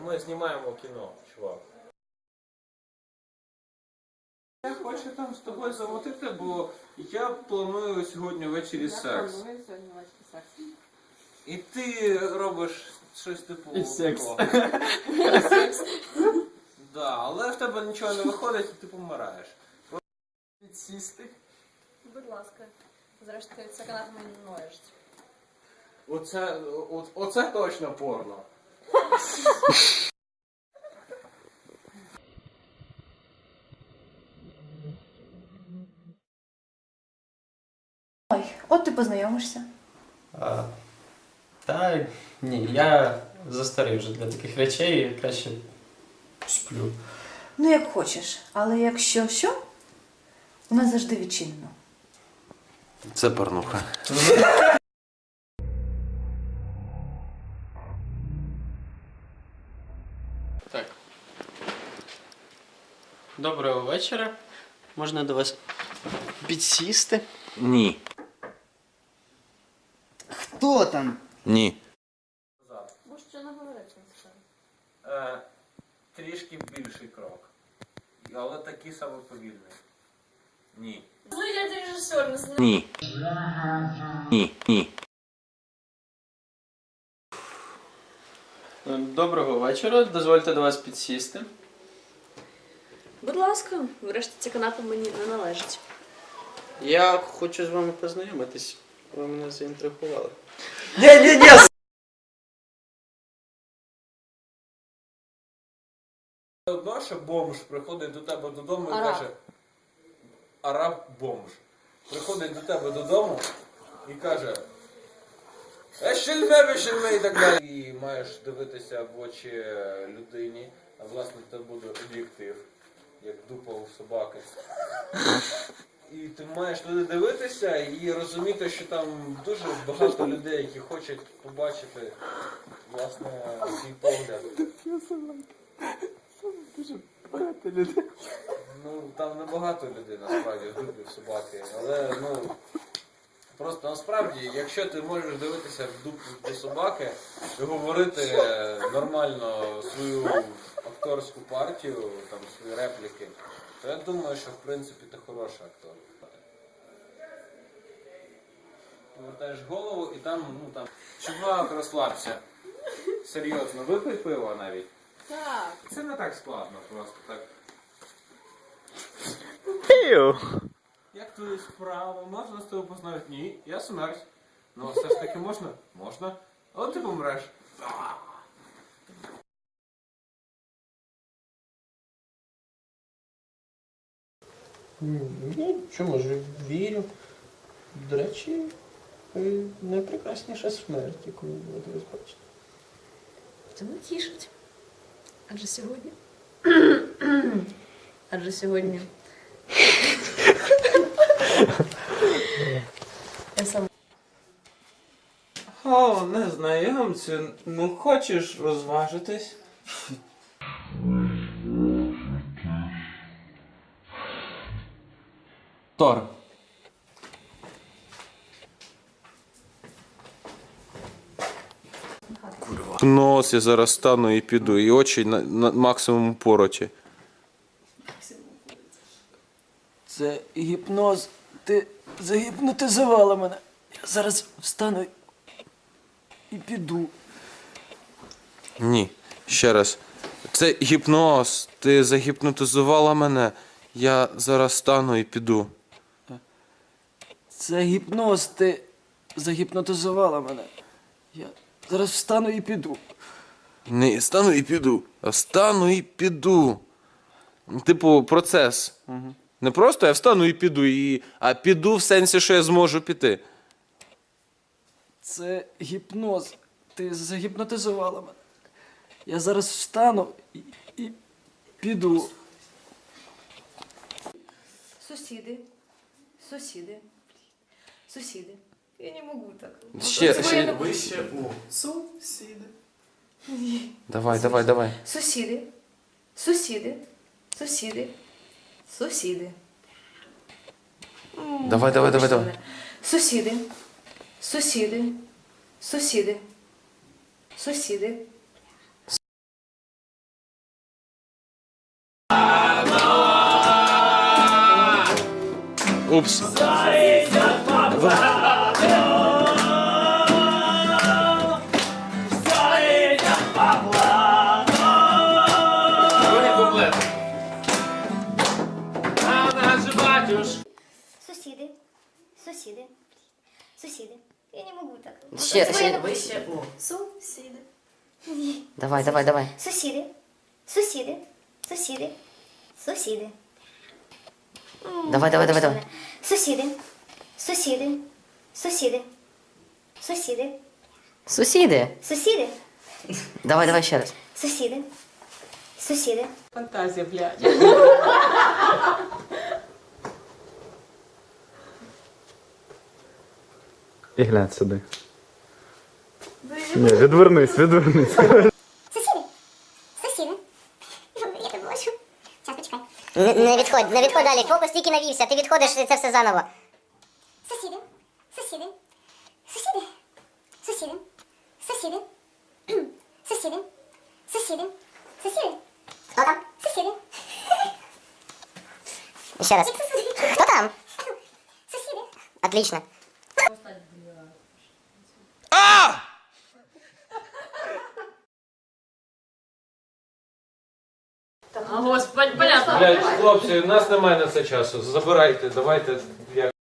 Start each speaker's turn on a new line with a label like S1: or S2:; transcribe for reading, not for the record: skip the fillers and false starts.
S1: ми знімаємо кіно, чувак. Я хочу там з тобою замотити, бо я планую сьогодні ввечері секс. І ти робиш щось типу...
S2: І секс.
S1: Да, але в тебе нічого не виходить і ти помираєш.
S2: Підсісти.
S3: Будь ласка. Зрештою, це канал мені ноєш.
S1: Оце точно порно.
S4: Ой, от ти познайомишся.
S2: Та ні, я застарий вже для таких речей, краще сплю.
S4: Ну, як хочеш. Але якщо що, у нас завжди відчинено.
S1: Це порнуха.
S2: Так. Доброго вечора. Можна до вас підсісти?
S1: Ні.
S5: Хто там?
S1: Ні.
S3: Бо що не говорити насправді.
S1: Трішки більший крок. Але такий самий повільний. Ні.
S3: Ну, я режисер, не знаю.
S1: Ні. Ні.
S2: Доброго вечора. Дозвольте до вас підсісти.
S3: Будь ласка, врешті ця канапа мені не належить.
S2: Я хочу з вами познайомитись. Ви мене заінтригували.
S5: Ні!
S1: Одно, що бомж приходить до тебе додому і
S3: Араб.
S1: каже... Араб-бомж. Приходить до тебе додому і каже... Ешельме і так далі. І маєш дивитися в очі людині, а власне це буде об'єктив, як дупа у собаки. І ти маєш туди дивитися і розуміти, що там дуже багато людей, які хочуть побачити, власне, твій погляд.
S5: Багато людей.
S1: Ну, там небагато людей, насправді, дупів собаки, але, ну, просто насправді, якщо ти можеш дивитися в дупу до собаки і говорити нормально свою акторську партію, там, свої репліки, то я думаю, що, в принципі, ти хороший актор. Повертаєш голову і там, ну, там, чувак, розслабся. Серйозно, випий пиво навіть.
S3: Так.
S1: Це не так складно, просто так. Як твої справи? Можна з тобою познайомити? Ні, я смерть. Ну, все ж таки можна? Можна. От ти помреш.
S2: Я чому ж вірю. До речі, ви найпрекрасніша смерть, яку ви будете бачити.
S3: Це не тішить. Адже сьогодні... Адже сьогодні... Я сам...
S1: О, незнайомцю, ну хочеш розважитись? Тор. Нос я зараз стану і піду, і очі на максимум пороті.
S5: Це гіпноз. Ти загіпнотизувала мене. Я зараз встану і піду.
S1: Ні, ще раз. Це гіпноз. Ти загіпнотизувала мене. Я зараз стану і піду.
S5: Це гіпноз. Ти загіпнотизувала мене. Я зараз встану і піду.
S1: Не стану і піду, а стану і піду. Типу, процес. Не просто я встану і піду, а піду в сенсі, що я зможу піти.
S5: Це гіпноз. Ти загіпнотизувала мене. Я зараз встану і піду.
S4: Сусіди. Я не можу так.
S1: Ще.
S2: Вище у сусіди.
S1: Давай.
S4: Сусіди.
S1: Давай.
S4: Сусіди.
S5: Упс.
S6: Сусіди, сусіди, сусіди. Я не можу так.
S7: Ще.
S3: Сусіди.
S7: Давай.
S6: Сусіди, сусіди, сусіди, сусіди.
S7: Давай.
S6: Сусіди, сусіди, сусіди, сусіди,
S7: Сусіди.
S6: сусіди,
S7: Давай ще раз.
S6: сусіди, сусіди.
S2: Фантазія, блядь.
S8: І глянь сюди. Ні, відвернись.
S6: Сусіди, сусіди. Я тебе бачу. Зараз, почекай.
S7: Не відходь далі. Фокус тільки навівся. Ти відходиш, це все заново.
S6: Сусіди, сусіди, сусіди, сусіди, сусіди, сусіди, сусіди, сусіди. Хто там? Сусіди.
S7: Ще раз. Хто там?
S6: Сусіди.
S7: Отлично.
S3: А, господи, понятно.
S1: Блядь, хлопці, у нас немає на це часу. Забирайте, давайте.